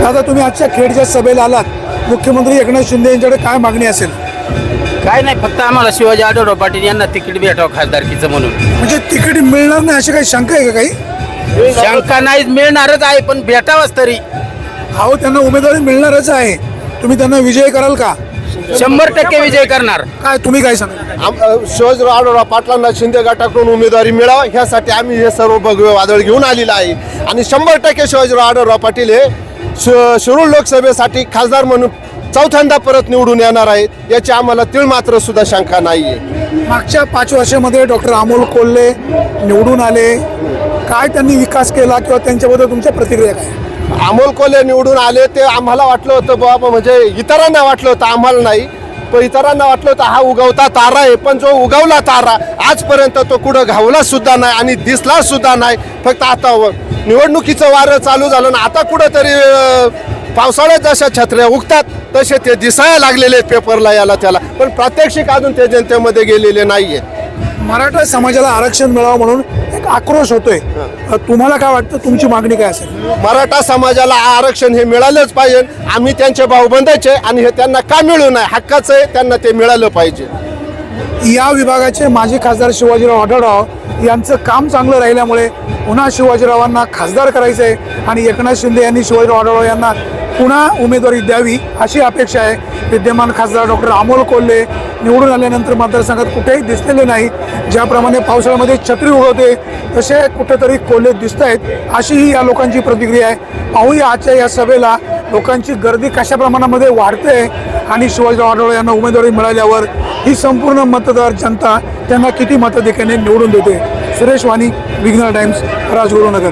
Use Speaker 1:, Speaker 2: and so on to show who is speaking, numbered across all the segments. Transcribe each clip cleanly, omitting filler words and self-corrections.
Speaker 1: दादा, तुम्ही आजच्या खेडच्या सभेला आलात, मुख्यमंत्री एकनाथ शिंदे यांच्याकडे काय मागणी असेल?
Speaker 2: काय नाही, फक्त आम्हाला शिवाजी आढळराव पाटील यांना तिकीट भेटावं खासदारकीचं म्हणून.
Speaker 1: म्हणजे तिकीट मिळणार नाही अशी काही शंका आहे का काही?
Speaker 2: शंका नाही, मिळणारच आहे, पण भेटावंच तरी.
Speaker 1: अहो, त्यांना उमेदवारी मिळणारच आहे, तुम्ही त्यांना विजय कराल का?
Speaker 2: 100% विजय करणार.
Speaker 1: काय तुम्ही काय सांगा?
Speaker 3: शिवाजीराव आढळराव पाटलांना शिंदे गटाकडून उमेदवारी मिळावं ह्यासाठी आम्ही हे सर्व भगवे वादळ घेऊन आलेलं आहे. आणि 100% शिवाजीराव आढळराव पाटील हे शिरूर लोकसभेसाठी खासदार म्हणून चौथ्यांदा परत निवडून येणार आहेत, याची आम्हाला तीळ मात्र सुद्धा शंका नाही आहे.
Speaker 1: मागच्या 5 वर्षामध्ये डॉक्टर अमोल कोल्हे निवडून आले, काय त्यांनी विकास केला किंवा त्यांच्याबद्दल तुमच्या प्रतिक्रिया काय?
Speaker 3: अमोल कोल्हे निवडून आले ते आम्हाला वाटलं होतं बाबा, म्हणजे इतरांना वाटलं होतं, आम्हाला नाही, पण इतरांना वाटलं होतं हा उगवता तारा आहे. पण जो उगवला तारा आजपर्यंत तो कुठं घावला सुद्धा नाही आणि दिसला सुद्धा नाही. फक्त आता निवडणुकीचं वारं चालू झालं ना, आता कुठंतरी पावसाळ्यात जशा छत्र्या उगतात तसे ते दिसायला लागलेले पेपरला याला त्याला, पण प्रात्यक्षिक अजून ते जनतेमध्ये गेलेले नाहीये.
Speaker 1: मराठा समाजाला आरक्षण मिळावं म्हणून एक आक्रोश होतोय, तुम्हाला काय वाटतं, तुमची मागणी काय असेल?
Speaker 3: मराठा समाजाला आरक्षण हे मिळालंच पाहिजे. आम्ही त्यांचे भाऊबंदाचे आणि हे त्यांना का मिळू नये, हक्काचं आहे, त्यांना ते मिळालं पाहिजे.
Speaker 1: या विभागाचे माजी खासदार शिवाजीराव आढळराव यांचं काम चांगलं राहिल्यामुळे पुन्हा शिवाजीरावांना खासदार करायचं आहे आणि एकनाथ शिंदे यांनी शिवाजीराव आढळराव यांना पुन्हा उमेदवारी द्यावी अशी अपेक्षा आहे. विद्यमान खासदार डॉक्टर अमोल कोल्हे निवडून आल्यानंतर मतदारसंघात कुठेही दिसलेले नाही. ज्याप्रमाणे पावसाळ्यामध्ये छत्री उगवते तसे कुठेतरी कोल्हे दिसत आहेत, अशीही या लोकांची प्रतिक्रिया आहे. पाहूया आजच्या या सभेला लोकांची गर्दी कशा प्रमाणामध्ये वाढते आणि शिवाजीराव आढळराव यांना उमेदवारी मिळाल्यावर ही संपूर्ण मतदार जनता त्यांना किती मताधिक्याने निवडून देते. सुरेश वाणी, विघ्नर टाइम्स, राजगुरुनगर.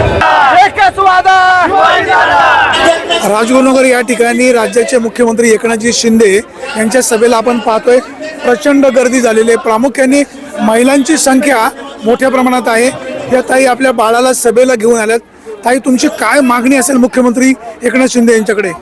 Speaker 1: राजगुरुनगर या ठिकाणी राज्याचे मुख्यमंत्री एकनाथजी शिंदे यांच्या सभेला आपण पाहतोय प्रचंड गर्दी झालेली आहे. प्रामुख्याने महिलांची संख्या मोठ्या प्रमाणात आहे. या ताई आपल्या बाळाला सभेला घेऊन आल्यात. ताई, तुमची काय मागणी असेल मुख्यमंत्री एकनाथ शिंदे यांच्याकडे?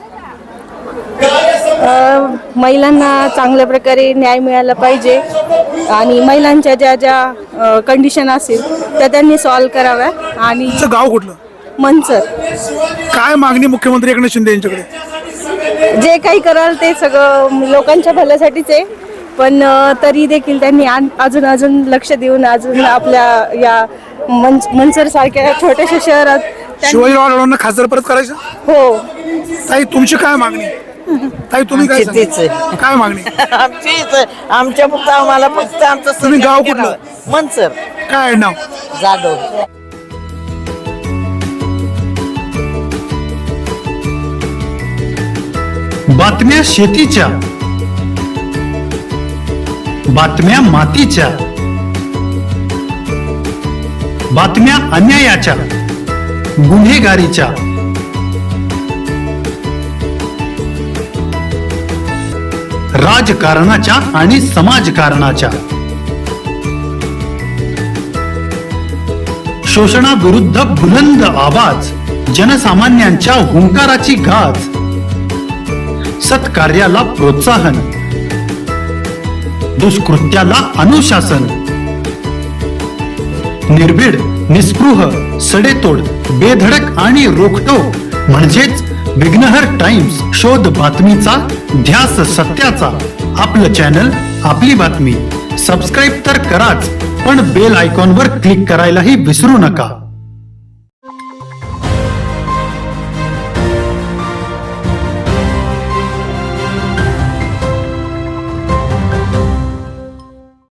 Speaker 4: महिलांना चांगल्या प्रकारे न्याय मिळाला पाहिजे आणि महिलांच्या ज्या ज्या कंडिशन असेल त्या त्यांनी सॉल्व कराव्या. आणि
Speaker 1: तुमचं गाव कुठलं?
Speaker 4: मनसर.
Speaker 1: काय मागणी मुख्यमंत्री एकनाथ शिंदे यांच्याकडे?
Speaker 4: जे काही कराल ते सगळं लोकांच्या भल्यासाठीच आहे, पण तरी देखील त्यांनी अजून लक्ष देऊन अजून आपल्या या मनसर सारख्या छोट्याशा शहरात
Speaker 1: शिवाजीराव आढळरावांना खासदार परत करायचं.
Speaker 4: हो.
Speaker 1: ताई, तुमची काय मागणी? ताई, तुम्ही काय सांगता? काय मागणी?
Speaker 5: आमच्या फक्त आम्हाला फक्त आमचं
Speaker 1: तुम्ही गाव कुठलं?
Speaker 5: मनसर.
Speaker 1: काय आहे नाव?
Speaker 5: जाधव.
Speaker 6: बातम्या शेतीच्या, बातम्या मातीच्या, बातम्या अन्यायाच्या, गुन्हेगारीच्या, राजकारणाच्या आणि समाजकारणाच्या, शोषणाविरुद्ध बुलंद आवाज, जनसामान्यांच्या हुंकाराची गाज, सत्कार्याला प्रोत्साहन, दुष्कृत्याला अनुशासन, निर्भीड, निस्पृह, सडेतोड, बेधडक आणि रोखटोक म्हणजेच विघ्नहर टाइम्स. शोध बातमीचा, ध्यास सत्याचा. आपलं चॅनल, आपली बातमी. सबस्क्राईब तर कराच, पण बेल आयकॉनवर क्लिक करायलाही विसरू नका.